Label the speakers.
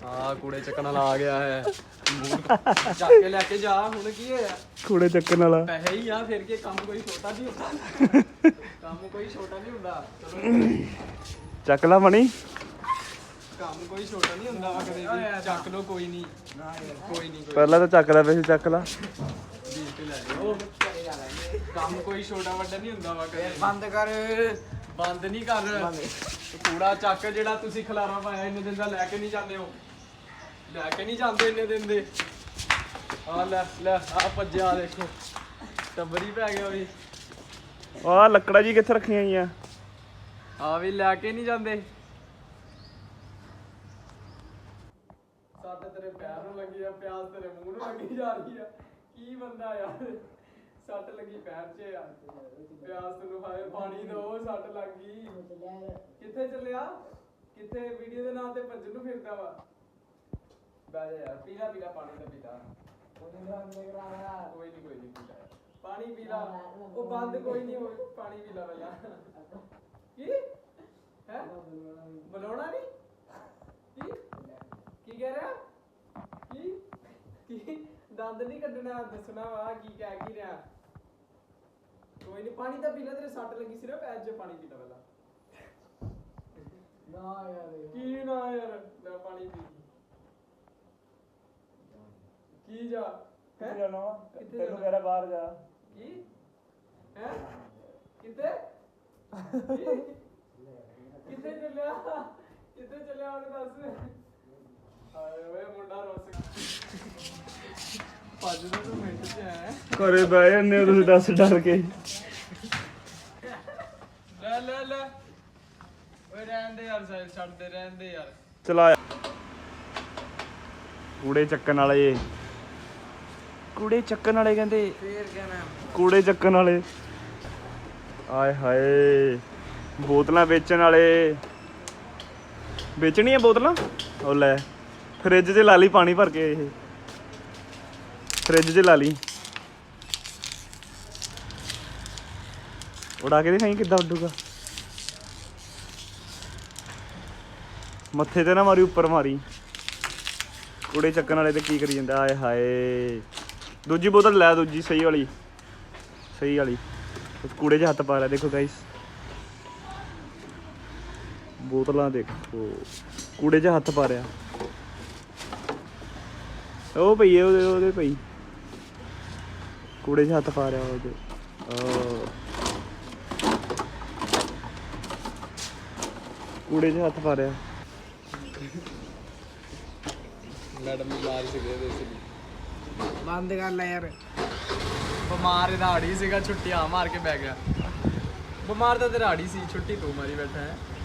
Speaker 1: हाँ कूड़े चक्कन वाला आ गया है जाके लेके जा हुण की होया
Speaker 2: कूड़े चक्कन वाला
Speaker 1: पैसे ही आ फिर के काम कोई छोटा नहीं होता काम कोई छोटा नहीं होता चलो
Speaker 2: ਚੱਕ ਲਾ ਮਣੀ
Speaker 1: काम कोई छोटा नहीं होता वा कदे भी ਚੱਕ ਲੋ ਕੋਈ ਨਹੀਂ ਕੋਈ ਨਹੀਂ
Speaker 2: ਪਹਿਲਾਂ ਤਾਂ ਚੱਕ ਲੈ ਵੈਸੇ ਚੱਕ ਲਾ
Speaker 1: बीस ते ले लो ਕੰਮ ਕੋਈ ਛੋਟਾ ਵੱਡਾ ਨਹੀਂ ਹੁੰਦਾ ਵਾ ਕਦੇ ਬੰਦ ਕਰ ਬੰਦ ਨਹੀਂ ਕਰ ਕੂੜਾ ਚੱਕ ਜਿਹੜਾ ਤੁਸੀਂ ਖਲਾਰਾ ਪਾਇਆ ਇੰਨੇ ਦਿਨ ਦਾ ਲੈ ਕੇ ਨਹੀਂ ਜਾਂਦੇ ਹੋ ਲੈ ਕੇ ਨਹੀਂ ਜਾਂਦੇ ਇੰਨੇ ਦਿਨ ਦੇ ਆ ਲੈ ਲੈ ਆ ਭੱਜਿਆ ਦੇਖੋ ਟੱਬਰੀ ਪੈ ਗਿਆ ਵੀ
Speaker 2: ਆਹ ਲੱਕੜਾਂ ਜੀ ਕਿੱਥੇ ਰੱਖੀਆਂ ਗਈਆਂ
Speaker 1: ਆ ਵੀ ਲੈ ਕੇ ਨਹੀਂ ਜਾਂਦੇ ਸੱਟ ਤੇਰੇ ਪੈਰ ਨੂੰ ਲੱਗੀ ਆ ਪਿਆਸ ਤੇਰੇ ਮੂੰਹ ਨੂੰ ਲੱਗੀ ਜਾ ਰਹੀ ਆ ਕੀ ਬੰਦਾ ਯਾਰ ਸੱਟ ਲੱਗੀ ਪੈਰ 'ਚ ਆ ਪਿਆਸ ਤੈਨੂੰ ਹਾਏ ਪਾਣੀ ਦੋ ਸੱਟ ਲੱਗ ਗਈ ਕਿੱਥੇ ਚੱਲਿਆ ਕਿੱਥੇ ਵੀਡੀਓ ਦੇ ਨਾਂ ਤੇ ਭੱਜਣ ਨੂੰ ਫਿਰਦਾ ਵਾ ਬਹਿ ਜਾ ਯਾਰ ਪੀਲਾ ਪੀਲਾ ਪਾਣੀ ਦਾ ਪੀਲਾ ਕੋਈ ਨਹੀਂ ਪੀਲਾ ਪਾਣੀ ਪੀਲਾ ਉਹ ਬੰਦ ਕੋਈ ਨਹੀਂ ਹੋਏ ਪਾਣੀ ਪੀਲਾ ਪਹਿਲਾਂ ਕੀ ਹੈ ਬੁਲਾਉਣਾ ਨਹੀਂ ਕੀ ਕੀ ਕਹਿ ਰਿਹਾ ਕੀ ਦੰਦ ਨਹੀਂ ਕੱਢਣਾ ਦੱਸਣਾ ਵਾ ਕੀ ਕਹਿ ਕੀ ਰਿਹਾ ਕੋਈ ਨਹੀਂ ਪਾਣੀ ਤਾਂ ਪੀ ਲੈ ਤੇਰੇ ਸੱਟ ਲੱਗੀ ਸੀ ਨਾ ਪੈਰ 'ਚ ਪਾਣੀ ਪੀ ਲੈ ਪਹਿਲਾਂ ਨਾ ਯਾਰ ਕੀ ਨਾ ਯਾਰ ਲੈ ਪਾਣੀ ਪੀ ਕੀ ਜਾ
Speaker 2: ਕਿੱਥੇ ਜਾਣਾ ਤੈਨੂੰ ਕਹਿ ਰਿਹਾ ਬਾਹਰ ਜਾ
Speaker 1: ਕੀ ਹੈ ਕਿੱਥੇ ਕਿੱਥੇ ਚੱਲਿਆ ਉਹਨੇ ਦੱਸ ਹਾਏ ਓਏ ਮੁੰਡਾ ਰੋਸ ਭੱਜ ਦਾ ਤੂੰ ਮਿੰਟ 'ਚ ਹੈ
Speaker 2: ਘਰੇ ਬਹਿ ਜਾਂਦੇ ਹੋ ਤੁਸੀਂ ਦੱਸ ਡਰ ਕੇ
Speaker 1: ਲੈ ਓਏ ਰਹਿਣ ਦੇ ਯਾਰ ਸਾਈਡ ਛੱਡ ਦੇ ਰਹਿਣ ਦੇ ਯਾਰ
Speaker 2: ਚਲਾ ਕੂੜੇ ਚੱਕਣ ਵਾਲੇ ਕੂੜੇ ਚੱਕਣ ਵਾਲੇ ਕਹਿੰਦੇ
Speaker 1: ਫੇਰ ਕਹਿਣਾ
Speaker 2: ਕੂੜੇ ਚੱਕਣ ਵਾਲੇ ਆਏ ਹਾਏ ਬੋਤਲਾਂ ਵੇਚਣ ਵਾਲੇ ਵੇਚਣੀਆਂ ਬੋਤਲਾਂ ਉਹ ਲੈ ਫਰਿੱਜ 'ਚ ਲਾ ਲਈ ਪਾਣੀ ਭਰ ਕੇ ਇਹ ਫਰਿੱਜ 'ਚ ਲਾ ਲਈ ਉਡਾ ਕੇ ਦਿਖਾਈ ਕਿੱਦਾਂ ਉੱਡੂਗਾ ਮੱਥੇ ਤੇ ਨਾ ਮਾਰੀ ਉੱਪਰ ਮਾਰੀ ਕੂੜੇ ਚੱਕਣ ਵਾਲੇ ਤੇ ਕੀ ਕਰੀ ਜਾਂਦਾ ਆਏ ਹਾਏ ਦੂਜੀ ਬੋਤਲ ਲੈ ਦੂਜੀ ਸਹੀ ਵਾਲੀ ਕੂੜੇ 'ਚ ਹੱਥ ਪਾ ਲਿਆ ਦੇਖੋ ਗਾਇਸ ਬੋਤਲਾਂ ਦੇਖੋ ਕੂੜੇ 'ਚ ਹੱਥ ਪਾ ਰਿਹਾ ਉਹ ਪਈ ਹੈ ਉਹਦੇ ਪਈ ਕੂੜੇ 'ਚ ਹੱਥ ਪਾ ਰਿਹਾ ਉਹਦੇ ਕੂੜੇ 'ਚ ਹੱਥ ਪਾ ਰਿਹਾ
Speaker 1: ਮੈਡਮ ਬਿਮਾਰ ਸੀਗੇ ਵੈਸੇ ਬੰਦ ਕਰ ਲੈ ਯਾਰ ਬਿਮਾਰ ਇਹਦਾ ਆੜੀ ਸੀਗਾ ਛੁੱਟੀਆਂ ਮਾਰ ਕੇ ਬਹਿ ਗਿਆ ਬਿਮਾਰ ਤਾਂ ਤੇਰਾ ਆੜੀ ਸੀ ਛੁੱਟੀ ਤੂੰ ਮਾਰੀ ਬੈਠਾ ਹੈ